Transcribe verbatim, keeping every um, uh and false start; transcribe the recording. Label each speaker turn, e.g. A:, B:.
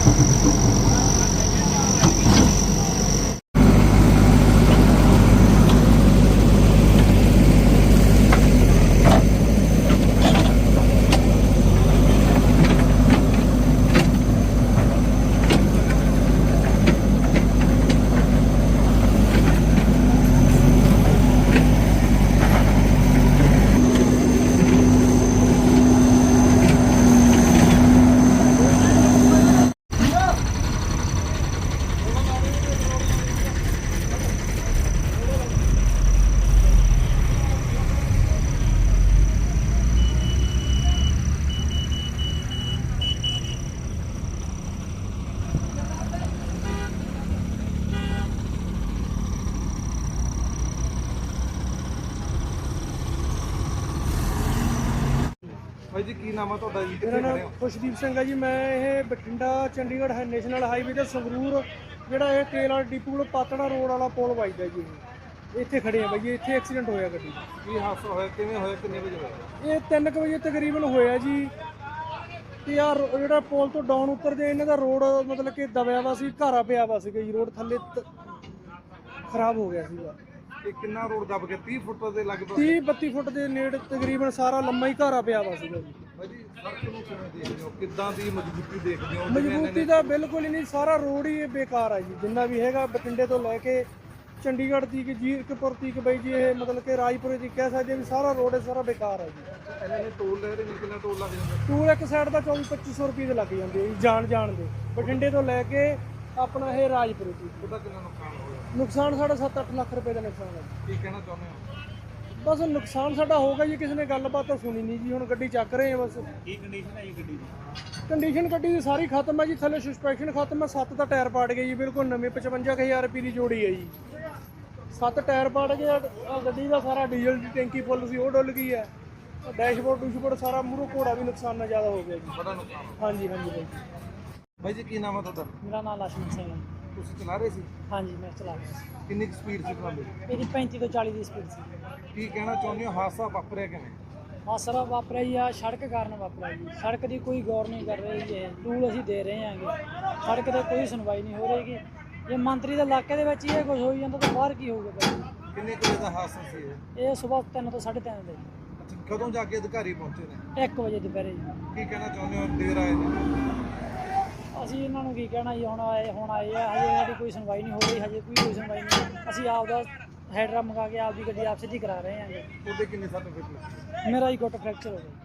A: भाई जी की नाम है ਤੁਹਾਡਾ ਜੀ?
B: ਮੇਰਾ ਨਾਮ ਖੁਸ਼ਦੀਪ ਸਿੰਘ ਹੈ ਜੀ। ਮੈਂ ਇਹ ਬਠਿੰਡਾ ਚੰਡੀਗੜ੍ਹ ਹੈ ਨੈਸ਼ਨਲ ਹਾਈਵੇ ਤੇ ਸੰਗਰੂਰ ਜਿਹੜਾ ਇਹ ਤੇਲ ਵਾਲਾ ਡਿਪੂ ਕੋਲ ਪਾਤੜਾ ਰੋਡ ਵਾਲਾ ਪੁਲ ਵੱਜਦਾ ਜੀ। ਇਹ ਇੱਥੇ ਖੜੇ ਆ ਬਾਈ, ਇੱਥੇ ਐਕਸੀਡੈਂਟ ਹੋਇਆ ਗੱਡੀ ਦਾ।
A: ਕੀ ਹਾਦਸਾ ਹੋਇਆ, ਕਿਵੇਂ ਹੋਇਆ, ਕਿੰਨੇ ਵਜੇ ਹੋਇਆ?
B: ਇਹ ਤਿੰਨ ਕੁ ਵਜੇ ਤਕਰੀਬਨ ਹੋਇਆ ਜੀ। ਤੇ ਯਾਰ ਜਿਹੜਾ ਪੁਲ ਤੋਂ ਡਾਊਨ ਉਤਰਦੇ ਇਹਨਾਂ ਦਾ ਰੋਡ ਮਤਲਬ ਕਿ ਦਬਿਆ ਵਾ ਸੀ, ਘਾਰਾ ਪਿਆ ਵਾ ਸੀਗਾ ਜੀ। ਰੋਡ ਥੱਲੇ ਖਰਾਬ ਹੋ ਗਿਆ ਸੀਗਾ।
A: ਇਹ ਕਿੰਨਾ ਰੋਡ ਦਬ ਗਿਆ? ਤੀਹ ਫੁੱਟ ਦੇ ਲਗਭਗ
B: ਤੀਹ ਬੱਤੀ ਫੁੱਟ ਦੇ ਨੇੜੇ ਤਕਰੀਬਨ ਸਾਰਾ ਲੰਮਾ ਹੀ ਘਾਰਾ ਪਿਆ ਵਾ ਸੀਗਾ ਜੀ।
A: ਭਾਈ ਜੀ ਸੜਕ ਨੂੰ ਕਿਵੇਂ ਦੇਖਦੇ ਹੋ, ਕਿੱਦਾਂ ਦੀ ਮਜ਼ਬੂਤੀ ਦੇਖਦੇ ਹੋ?
B: ਮਜ਼ਬੂਤੀ ਤਾਂ ਬਿਲਕੁਲ ਹੀ ਨਹੀਂ, ਸਾਰਾ ਰੋਡ ਹੀ ਬੇਕਾਰ ਆ ਜੀ। ਜਿੰਨਾ ਵੀ ਹੈਗਾ ਬਠਿੰਡੇ ਤੋਂ ਲੈ ਕੇ ਚੰਡੀਗੜ੍ਹ ਤੀਕ, ਜੀਰਕਪੁਰ ਤੀਕ ਬਈ ਜੀ, ਇਹ ਮਤਲਬ ਕਿ ਰਾਜਪੁਰੇ ਦੀ ਕਹਿ ਸਕਦੇ ਵੀ ਸਾਰਾ ਰੋਡ ਸਾਰਾ ਬੇਕਾਰ ਆ ਜੀ।
A: ਇਹਨਾਂ ਨੇ ਟੋਲ ਲੈ ਰਹੇ ਨੇ, ਕਿੰਨਾ ਟੋਲ ਲੱਗ ਜਾਂਦਾ?
B: ਟੂਲ ਇੱਕ ਸਾਈਡ ਦਾ ਚੌਵੀ ਪੱਚੀ ਸੌ ਰੁਪਏ ਦੇ ਲੱਗ ਜਾਂਦੇ ਜੀ, ਜਾਣ ਜਾਣ ਦੇ। ਬਠਿੰਡੇ ਤੋਂ ਲੈ ਕੇ ਆਪਣਾ ਇਹ ਰਾਜਪੁਰੇ ਤੀਕ
A: ਉਹਦਾ ਕਿੰਨਾ ਨੁਕਸਾਨ ਹੋਇਆ?
B: ਨੁਕਸਾਨ ਸਾਡਾ ਸੱਤ ਅੱਠ ਲੱਖ ਰੁਪਏ ਦਾ ਨੁਕਸਾਨ ਹੈ ਜੀ।
A: ਕੀ ਕਹਿਣਾ ਚਾਹੁੰਦੇ ਹੋ?
B: ਬਸ ਨੁਕਸਾਨ ਸਾਡਾ ਹੋਗਾ ਜੀ, ਕਿਸੇ ਨੇ ਗੱਲਬਾਤ ਤਾਂ ਸੁਣੀ ਨਹੀਂ ਜੀ। ਹੁਣ ਗੱਡੀ ਚੱਕ ਰਹੇ ਆ ਬਸ।
A: ਕੀ ਕੰਡੀਸ਼ਨ ਹੈ ਜੀ ਗੱਡੀ ਦੀ?
B: ਕੰਡੀਸ਼ਨ ਗੱਡੀ ਦੀ ਸਾਰੀ ਖਤਮ ਹੈ ਜੀ। ਥੱਲੇ ਸਸਪੈਂਸ਼ਨ ਖਤਮ ਹੈ, ਸੱਤ ਦਾ ਟਾਇਰ ਪਾੜ ਗਏ ਜੀ, ਬਿਲਕੁਲ ਨਵੇਂ ਪਚਵੰਜਾ ਕੁ ਹਜ਼ਾਰ ਰੁਪਏ ਦੀ ਜੋੜੀ ਹੈ ਜੀ। ਸੱਤ ਟਾਇਰ ਪਾੜ ਗਏ। ਆਹ ਗੱਡੀ ਦਾ ਸਾਰਾ ਡੀਜ਼ਲ ਦੀ ਟੈਂਕੀ ਫੁੱਲ ਸੀ, ਉਹ ਡੁੱਲ ਗਈ ਹੈ। ਡੈਸ਼ਬੋਰਡ ਡੂਸ਼ਬੋਰਡ ਸਾਰਾ ਮੂਹਰੋਂ ਘੋੜਾ ਵੀ ਨੁਕਸਾਨ ਨਾਲ ਜ਼ਿਆਦਾ ਹੋ ਗਿਆ ਜੀ।
A: ਬੜਾ ਨੁਕਸਾਨ।
B: ਹਾਂਜੀ ਹਾਂਜੀ ਬਾਈ।
A: ਭਾਈ ਜੀ ਕੀ ਨਾਮ ਹੈ ਤੁਹਾਡਾ?
B: ਮੇਰਾ ਨਾਮ ਲక్ష్మణ ਸਿੰਘ ਹੈ।
A: ਤੁਸੀਂ ਚਲਾ ਰਹੇ ਸੀ?
B: ਹਾਂਜੀ ਮੈਂ ਚਲਾ ਰਿਹਾ ਸੀ।
A: ਕਿੰਨੀ ਕੁ ਸਪੀਡ ਸੀ ਤੁਹਾਡੀ?
B: ਇਹਦੀ ਪੈਂਤੀ ਤੋਂ ਚਾਲੀ ਦੀ ਸਪੀਡ ਸੀ।
A: ਕੀ ਕਹਿਣਾ ਚਾਹੁੰਦੇ ਹੋ, ਹਾਦਸਾ ਵਾਪਰਿਆ ਕਿਵੇਂ?
B: ਹਾਦਸਾ ਵਾਪਰਿਆ ਜੀ ਆ ਸੜਕ ਕਾਰਨ ਵਾਪਰਿਆ ਜੀ। ਸੜਕ ਦੀ ਕੋਈ ਗੌਰ ਨਹੀਂ ਕਰ ਰਹੀ ਜੀ। ਇਹ ਟੂਲ ਅਸੀਂ ਦੇ ਰਹੇ ਹਾਂਗੇ, ਸੜਕ ਤੇ ਕੋਈ ਸੁਣਵਾਈ ਨਹੀਂ ਹੋ ਰਹੀਗੀ। ਜੇ ਮੰਤਰੀ ਦੇ ਇਲਾਕੇ ਦੇ ਵਿੱਚ ਹੀ ਇਹ ਕੁਝ ਹੋਈ ਜਾਂਦਾ ਤਾਂ ਬਾਹਰ ਕੀ ਹੋਊਗਾ ਬਾਈ?
A: ਕਿੰਨੇ ਕੁ ਵਜੇ ਦਾ ਹਾਦਸਾ ਸੀ ਇਹ?
B: ਇਹ ਸਵੇਰ ਤਿੰਨ ਤੋਂ ਸਾਢੇ ਤਿੰਨ ਦੇ
A: ਅੱਛਾ, ਕਦੋਂ ਜਾ ਕੇ ਅਧਿਕਾਰੀ ਪਹੁੰਚੇ ਨੇ?
B: ਇੱਕ ਵਜੇ ਦੁਪਹਿਰੇ ਜੀ।
A: ਕੀ ਕਹਿਣਾ ਚਾਹੁੰਦੇ ਹੋ, ਦੇਰ ਆਏ ਨੇ?
B: ਅਸੀਂ ਇਹਨਾਂ ਨੂੰ ਕੀ ਕਹਿਣਾ ਜੀ, ਹੁਣ ਆਏ ਹੁਣ ਆਏ ਆ, ਹਜੇ ਸਾਡੀ ਕੋਈ ਸੁਣਵਾਈ ਨਹੀਂ ਹੋ ਰਹੀ, ਹਜੇ ਕੋਈ ਕੋਈ ਸੁਣਵਾਈ ਨਹੀਂ। ਅਸੀਂ ਆਪਦਾ ਹੈਡਰਾ ਮੰਗਾ ਕੇ ਆਪਦੀ ਗੱਡੀ ਆਪ ਸਿੱਧੀ ਕਰਾ ਰਹੇ ਹਾਂਗੇ।
A: ਉਹਦੇ ਕਿੰਨੇ ਸੱਟ ਫਿੱਟ ਲੱਗੇ?
B: ਮੇਰਾ ਹੀ ਗੁੱਟ ਫ੍ਰੈਕਚਰ ਹੋ ਗਿਆ।